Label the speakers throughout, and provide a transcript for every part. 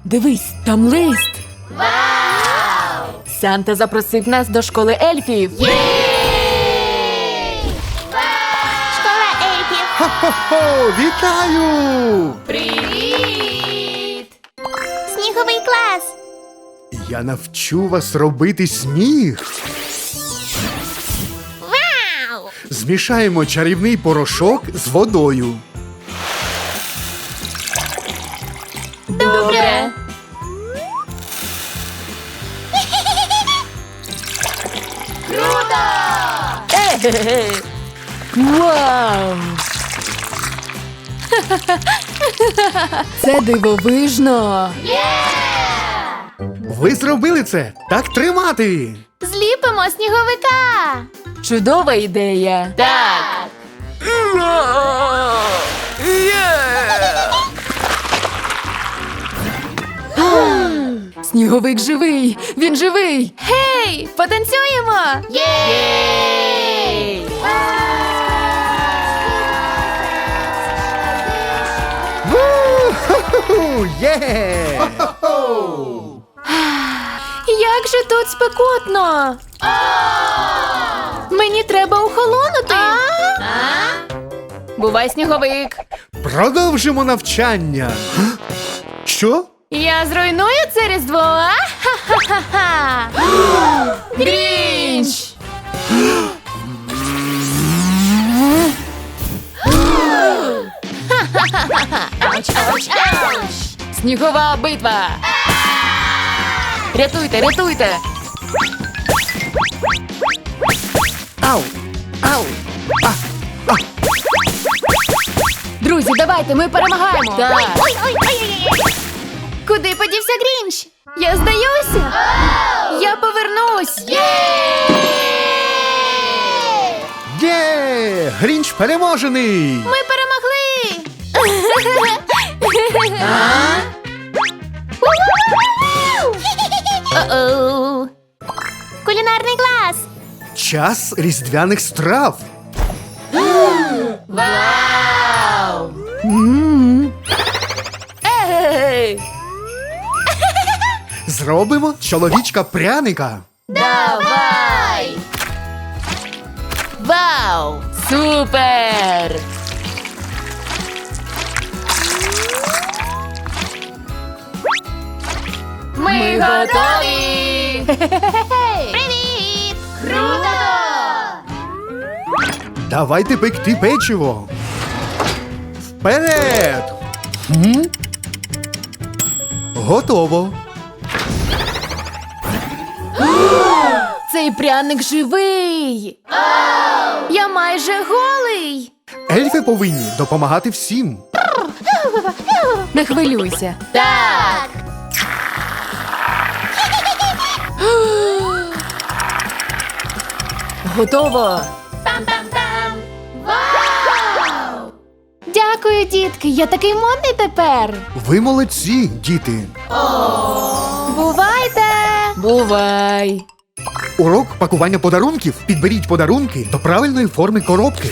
Speaker 1: Дивись, там лист. Вау! Санта запросив нас до школи ельфів.
Speaker 2: Школа ельфів.
Speaker 3: Хо-хо-хо! Вітаю!
Speaker 1: Привіт!
Speaker 2: Сніговий клас.
Speaker 3: Я навчу вас робити сніг.
Speaker 2: Вау!
Speaker 3: Змішаємо чарівний порошок з водою.
Speaker 1: Добре.
Speaker 2: Круто!
Speaker 1: Е-ге-ге. Вау! Це дивовижно.
Speaker 3: Ви зробили це! Так тримати!
Speaker 2: Зліпимо сніговика.
Speaker 1: Чудова ідея. Так. Сніговик живий! Він живий!
Speaker 2: Гей, потанцюємо.
Speaker 1: Єй!
Speaker 3: Ву-ху-ху! Є!
Speaker 2: Як же тут спекотно. Мені треба охолонути.
Speaker 1: Бувай, сніговик!
Speaker 3: Продовжимо навчання. Що?
Speaker 2: Я зруйную це різдво. Ха-ха-ха-ха.
Speaker 1: Грінч!
Speaker 2: Ауч, ауч, ауч.
Speaker 1: Снігова битва! Рятуйте, рятуйте!
Speaker 3: Ау! Ау!
Speaker 1: Друзі, давайте, ми перемагаємо! Так!
Speaker 2: Ой, ой, ой, ой, ой. Куди подівся Грінч? Я здаюся. Я повернусь.
Speaker 3: Є! Грінч переможений!
Speaker 2: Ми перемогли. О-оу. Кулінарний клас.
Speaker 3: Час різдвяних страв.
Speaker 1: Вау! Ей!
Speaker 3: Зробимо чоловічка пряника.
Speaker 1: Давай! Вау! Супер! Ми готові!
Speaker 2: Привіт. Круто.
Speaker 3: Давайте пекти печиво. Вперед! Готово.
Speaker 1: Цей пряник живий!
Speaker 2: Я майже голий.
Speaker 3: Ельфи повинні допомагати всім.
Speaker 1: Не хвилюйся. Так! Готово!
Speaker 2: Пам-пам-пам. Вау! Дякую, дітки. Я такий модний тепер.
Speaker 3: Ви молодці, діти.
Speaker 2: Бувайте.
Speaker 1: Бувай!
Speaker 3: Урок пакування подарунків. Підберіть подарунки до правильної форми коробки.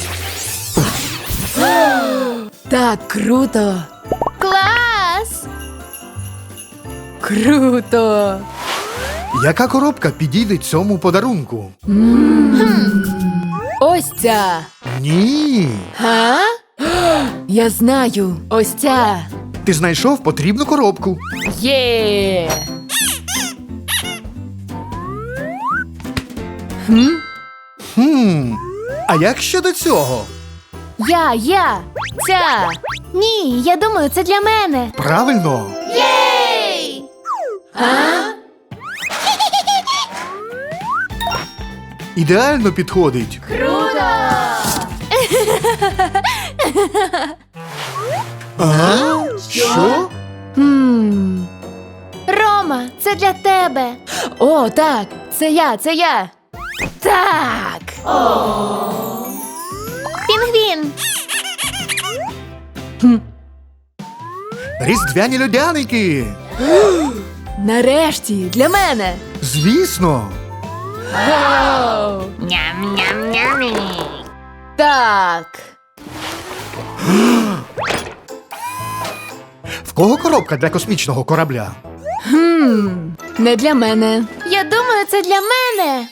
Speaker 1: Так круто!
Speaker 2: Клас.
Speaker 1: Круто!
Speaker 3: Яка коробка підійде цьому подарунку?
Speaker 1: Ось ця!
Speaker 3: Ні.
Speaker 1: Га? Я знаю! Ось ця!
Speaker 3: Ти знайшов потрібну коробку.
Speaker 1: Є!
Speaker 3: А як щодо цього?
Speaker 1: Я! Ця!
Speaker 2: Ні, я думаю, це для мене.
Speaker 3: Правильно.
Speaker 2: Єй!
Speaker 3: Ідеально підходить.
Speaker 2: Круто!
Speaker 3: А? Що?
Speaker 2: Рома, це для тебе.
Speaker 1: О, так! Це я! Так!
Speaker 2: Пінгвін.
Speaker 3: Різдвяні льодяники.
Speaker 1: Нарешті! Для мене!
Speaker 3: Звісно.
Speaker 1: Вау!
Speaker 2: Ням-ням-ням.
Speaker 1: Так!
Speaker 3: В кого коробка для космічного корабля?
Speaker 1: Не для мене.
Speaker 2: Я думаю, це для мене.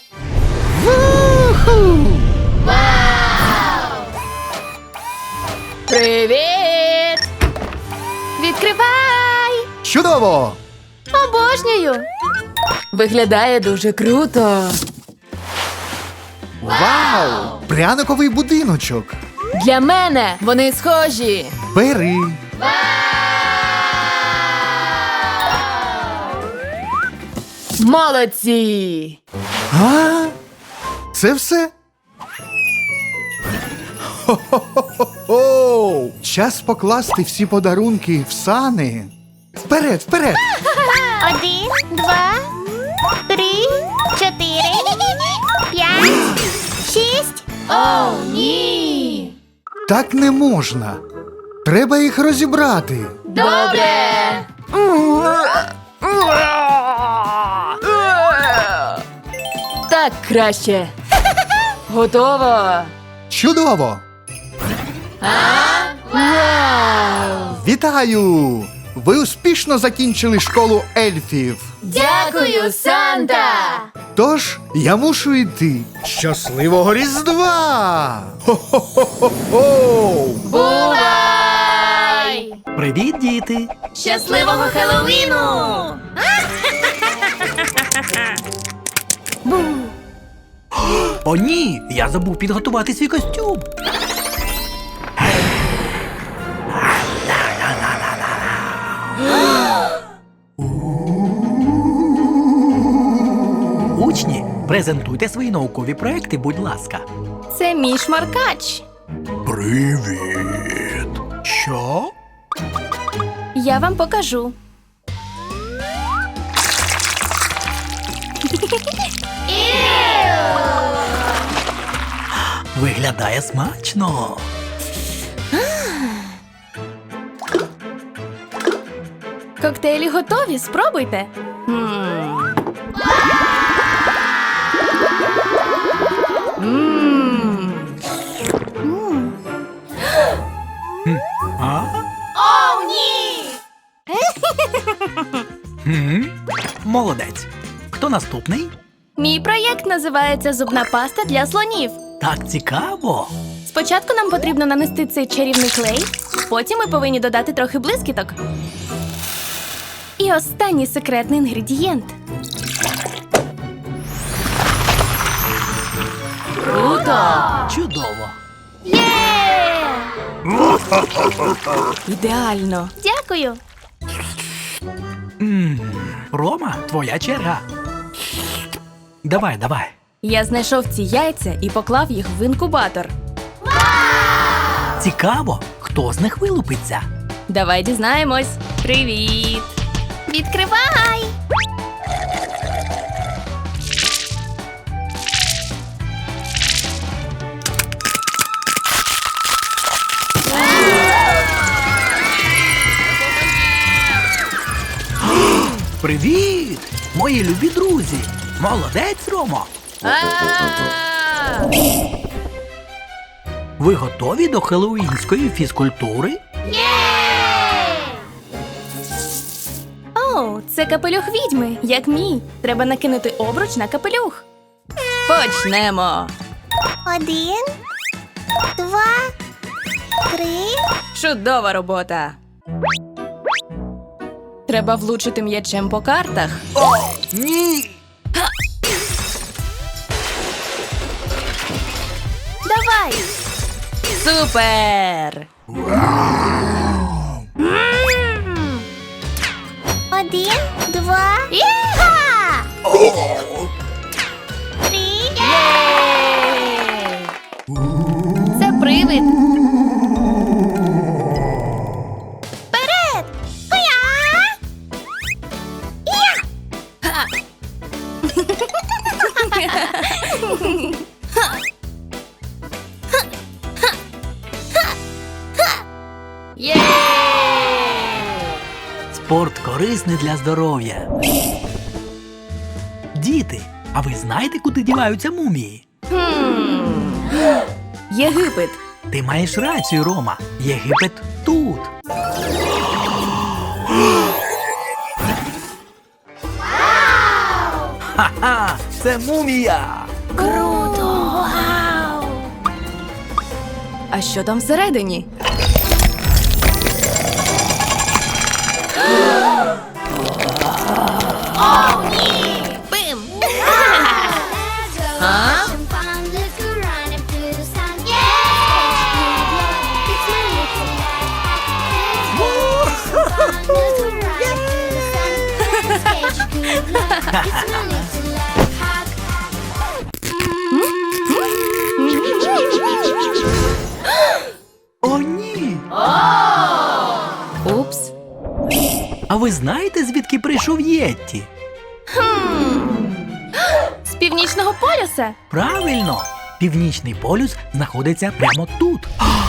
Speaker 1: Привіт!
Speaker 2: Відкривай!
Speaker 3: Чудово!
Speaker 2: Обожнюю!
Speaker 1: Виглядає дуже круто.
Speaker 3: Вау! Пряниковий будиночок.
Speaker 1: Для мене вони схожі.
Speaker 3: Бери.
Speaker 1: Молодці!
Speaker 3: А? Це все? Хо-хо-хо-хо! Час покласти всі подарунки в сани. Вперед, вперед!
Speaker 2: 1, 2, 3, 4, 5, 6. О, ні!
Speaker 3: Так не можна. Треба їх розібрати.
Speaker 1: Добре! Так краще. Готово.
Speaker 3: Чудово!
Speaker 1: Вау!
Speaker 3: Вітаю! Ви успішно закінчили школу ельфів.
Speaker 1: Дякую, Санта!
Speaker 3: Тож я мушу йти. Щасливого Різдва! Хо-хо-хо-хо-хо!
Speaker 1: Бувай!
Speaker 4: Привіт, діти!
Speaker 1: Щасливого Хеллоуіну!
Speaker 4: О, ні! Я забув підготувати свій костюм. Учні, презентуйте свої наукові проекти, будь ласка.
Speaker 2: Це мій шмаркач.
Speaker 4: Привіт! Що?
Speaker 2: Я вам покажу.
Speaker 4: Виглядає смачно.
Speaker 2: Коктейлі готові, спробуйте.
Speaker 4: А?
Speaker 2: О, ні!
Speaker 4: Молодець. Хто наступний?
Speaker 2: Мій проєкт називається «Зубна паста для слонів».
Speaker 4: Так цікаво.
Speaker 2: Спочатку нам потрібно нанести цей чарівний клей, потім ми повинні додати трохи блискіток. І останній секретний інгредієнт.
Speaker 1: Круто!
Speaker 4: Чудово.
Speaker 2: Є!
Speaker 1: Ідеально!
Speaker 2: Дякую!
Speaker 4: Рома, твоя черга. Давай, давай.
Speaker 2: Я знайшов ці яйця і поклав їх в інкубатор.
Speaker 4: Цікаво, хто з них вилупиться.
Speaker 2: Давай дізнаємось. Привіт! Відкривай!
Speaker 4: Привіт! Мої любі друзі! Молодець, Ромо! Ви готові до хеллоуінської фізкультури?
Speaker 2: О, це капелюх відьми, як мій. Треба накинути обруч на капелюх.
Speaker 1: Почнемо!
Speaker 2: 1, 2, 3.
Speaker 1: Чудова робота! Треба влучити м'ячем по картах.
Speaker 4: Ні!
Speaker 2: Давай!
Speaker 1: Супер!
Speaker 2: 1, 2. Іха! 3. Це привид. Вперед! Хуя! Я!
Speaker 1: Є!
Speaker 4: Спорт корисний для здоров'я. Діти, а ви знаєте, куди діваються мумії?
Speaker 1: Єгипет!
Speaker 4: Ти маєш рацію, Рома. Єгипет тут. Ха-ха! Це мумія!
Speaker 2: Круто! Вау!
Speaker 1: А що там всередині?
Speaker 2: Бим!
Speaker 1: А?
Speaker 4: О, ні!
Speaker 1: Упс.
Speaker 4: А ви знаєте, звідки прийшов Єтті?
Speaker 2: З північного полюса.
Speaker 4: Правильно! Північний полюс знаходиться прямо тут.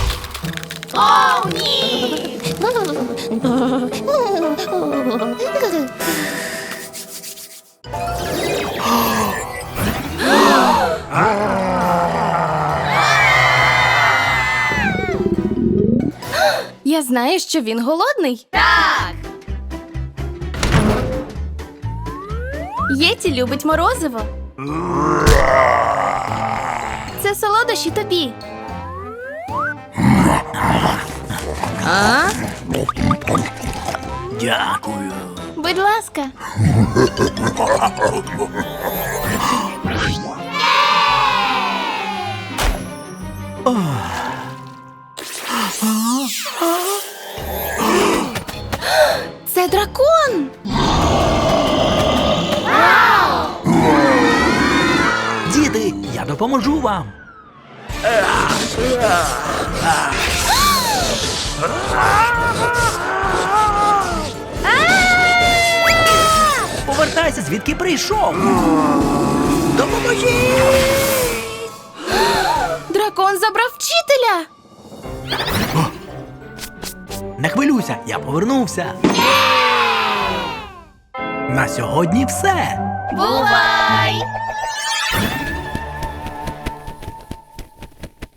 Speaker 2: Я знаю, що він голодний. Так! Єті любить морозиво. Це солодощі тобі.
Speaker 1: А?
Speaker 4: Дякую.
Speaker 2: Будь ласка. Це дракон.
Speaker 4: Діти, я допоможу вам. Повертайся, звідки прийшов. Допоможіть!
Speaker 2: Дракон забрав вчителя.
Speaker 4: Не хвилюйся, я повернувся. На сьогодні все.
Speaker 2: Бувай!